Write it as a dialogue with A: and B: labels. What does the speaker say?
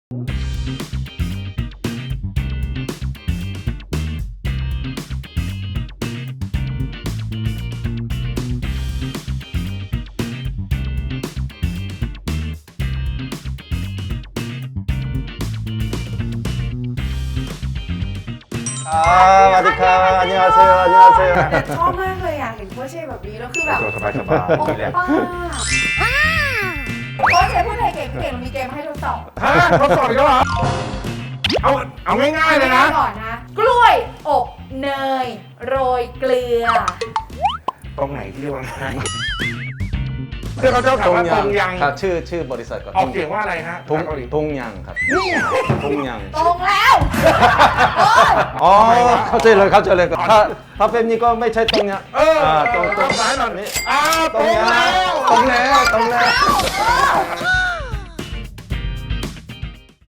A: สวัสดีครับอันนี้อาเซียอันนี้อาเซีย
B: ชอบมากเลยอ่ะเห็นโค้ชเชแบบนี้แล้วคือแบบ
A: สบายสบาย
B: โอป้าโค้ชเชพูดไทยเก่งเรามีเกมให้ทดสอบ
A: ฮะทดสอบอีกแล้วเหรอเอาง่ายๆเลยนะ
B: ก่อนนะกล้วยอบเนยโรยเกลือ
A: ตรงไหนที่ว่าง่ายเพื่อนเขาเจ้าถามว่าตรงยัง
C: ครับชื่อบริษัทก่อน
A: ออกเสียงว่าอะไรฮะ
C: ทุ่งยังครับทุ่งยัง
B: ตรงแล้ว
C: อ๋อเข้าใจเลยถ้าเป็นนี้ก็ไม่ใช่ตรงยัง
A: ตรงซ้ายหน่อย
C: นี่
A: ตรงแล้ว
C: ตรงแล้ว